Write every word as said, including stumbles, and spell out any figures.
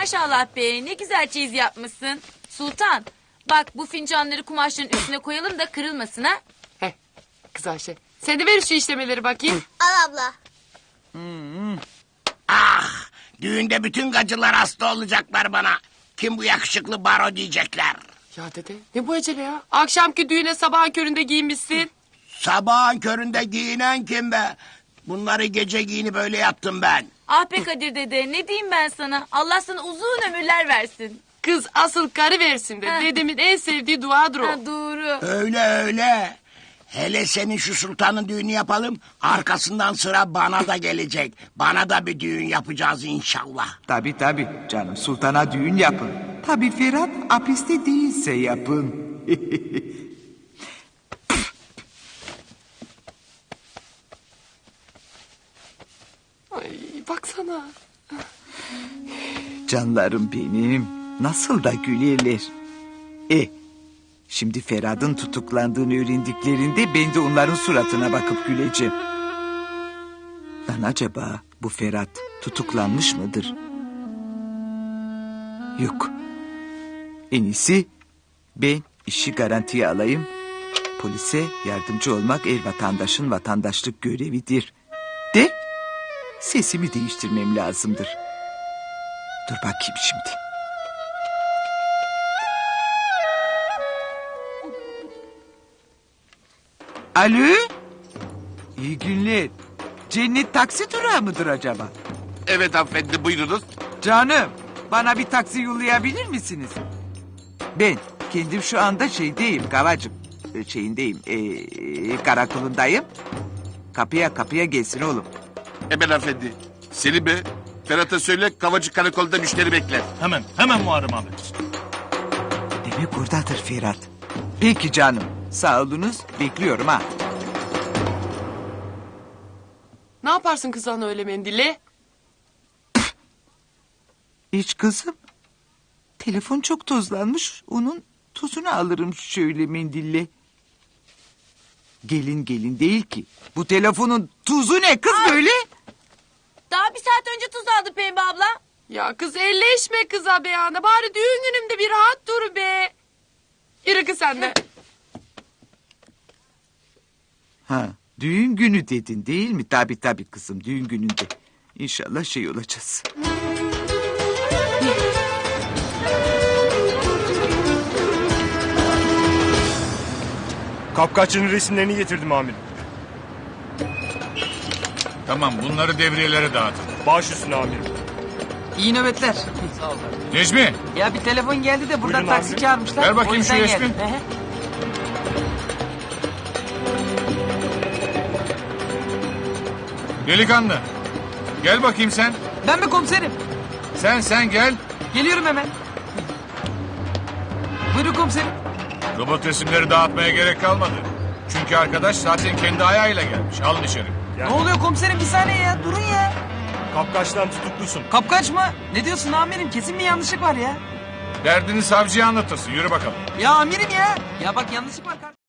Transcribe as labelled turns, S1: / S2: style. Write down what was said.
S1: maşallah be, ne güzel çeyiz yapmışsın. Sultan, bak bu fincanları kumaşların üstüne koyalım da kırılmasın ha.
S2: Heh, kız Ayşe. Sen de ver şu işlemeleri bakayım.
S3: Al abla.
S4: Ah, düğünde bütün gacılar hasta olacaklar bana. Kim bu yakışıklı baro diyecekler.
S2: Ya dede ne bu acele ya? Akşamki düğüne sabahın köründe giyinmişsin.
S4: Sabahın köründe giyinen kim be? Bunları gece giyini böyle yaptım ben.
S1: Ah be Kadir dede, ne diyeyim ben sana? Allah sana uzun ömürler versin.
S2: Kız asıl karı versin de.
S1: Ha.
S2: Dedemin en sevdiği duadır o.
S1: Ha, doğru.
S4: Öyle öyle. Hele senin şu sultanın düğünü yapalım. Arkasından sıra bana da gelecek. Bana da bir düğün yapacağız inşallah.
S5: Tabii tabii canım, sultana düğün yapın. Tabii Ferhat hapiste değilse yapın.
S2: Ay baksana.
S5: Canlarım benim, nasıl da gülerler. E, şimdi Ferhat'ın tutuklandığını öğrendiklerinde ben de onların suratına bakıp güleceğim. Lan acaba bu Ferhat tutuklanmış mıdır? Yok. En iyisi ben işi garantiye alayım. Polise yardımcı olmak her vatandaşın vatandaşlık görevidir. De sesimi değiştirmem lazımdır. Dur bakayım şimdi. Alo? İyi günler. Cennet taksi durağı mıdır acaba?
S6: Evet hanımefendi buyurunuz.
S5: Canım, bana bir taksi yollayabilir misiniz? Ben kendim şu anda şeydeyim Kavacım. Ee, Şeyindeyim, ee, karakolundayım. Kapıya kapıya gelsin oğlum.
S6: Hemen hanımefendi. Selim Bey, Ferhat'a söyle Kavacı Karakol'da müşteri bekler.
S7: Hemen, hemen Muharrem abi.
S5: Demek oradadır Ferhat. Peki canım, sağ olunuz, bekliyorum ha.
S2: Ne yaparsın kız ana öyle mendille?
S5: Hiç kızım. Telefon çok tozlanmış. Onun tozunu alırım şöyle mendille. Gelin gelin değil ki. Bu telefonun tuzu ne kız böyle?
S1: Daha bir saat önce tuz aldı Pembe abla.
S2: Ya kız elleşme kıza be ana. Bari düğün günümde bir rahat dur be. Yürü kız sen de.
S5: Ha, düğün günü dedin değil mi? Tabii tabii kızım, düğün gününde. İnşallah şey olacağız.
S7: Kapkaççının resimlerini getirdim amirim.
S8: Tamam, bunları devriyelere dağıtın.
S7: Baş üstüne amirim.
S9: İyi nöbetler.
S8: Necmi,
S9: Ya bir telefon geldi de buradan
S7: Buyurun
S9: taksi
S7: abi.
S9: çağırmışlar.
S8: Ver bakayım
S9: O yüzden
S8: şu resmi.
S9: geldim. Ehe.
S8: delikanlı. Gel bakayım sen.
S9: Ben mi komiserim?
S8: Sen sen gel.
S9: Geliyorum hemen. Buyurun komiserim.
S8: Robot resimleri dağıtmaya gerek kalmadı. Çünkü arkadaş zaten kendi ayağıyla gelmiş. Alın içeri.
S7: Yani
S9: Ne oluyor komiserim, bir saniye ya, durun ya.
S7: kapkaçtan tutuklusun.
S9: Kapkaç mı? Ne diyorsun amirim, kesin bir yanlışlık var ya.
S8: Derdini savcıya anlatırsın. Yürü bakalım.
S9: Ya amirim ya. Ya bak yanlışlık var.